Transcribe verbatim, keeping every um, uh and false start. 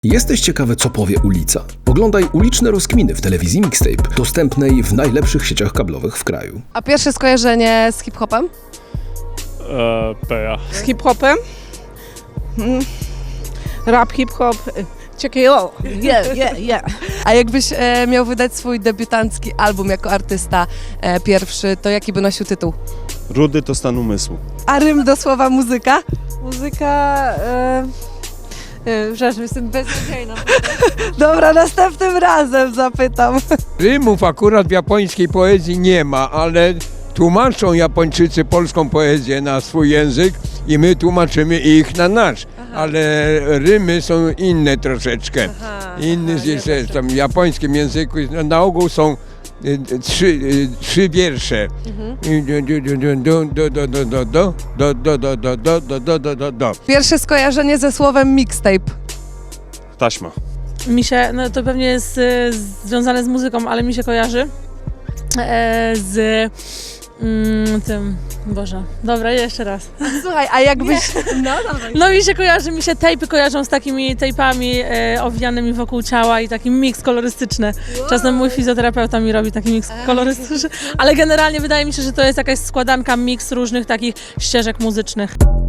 Jesteś ciekawy, co powie ulica? Oglądaj uliczne rozkminy w telewizji Mixtape, dostępnej w najlepszych sieciach kablowych w kraju. A pierwsze skojarzenie z hip-hopem? Eee, Peja. Z hip-hopem? Mm. Rap, hip-hop, ciekawe, yeah, yeah, yeah. A jakbyś e, miał wydać swój debiutancki album jako artysta e, pierwszy, to jaki by nosił tytuł? Rudy to stan umysłu. A rym do słowa muzyka? Muzyka... E, e, przepraszam, jestem beznadziejna. Dobra, następnym razem zapytam. Rymów akurat w japońskiej poezji nie ma, ale tłumaczą Japończycy polską poezję na swój język i my tłumaczymy ich na nasz. Ale rymy są inne troszeczkę. Aha, Inny aha, jest nie jeszcze, tam w japońskim języku na ogół są y, trzy, y, trzy wiersze. Do, do, do, do, do, do, do, do, do, do, do, do, do, do, do, do. Pierwsze skojarzenie ze słowem mixtape. Taśma. Mi się, no to pewnie jest e, związane z muzyką, ale mi się kojarzy e, z mm, tym, Boże, dobra, jeszcze raz. Słuchaj, a jakbyś... No, dawaj. No mi się kojarzy, mi się tejpy kojarzą z takimi tejpami e, owijanymi wokół ciała i taki miks kolorystyczny. Czasem mój fizjoterapeuta mi robi taki miks kolorystyczny, ale generalnie wydaje mi się, że to jest jakaś składanka, miks różnych takich ścieżek muzycznych.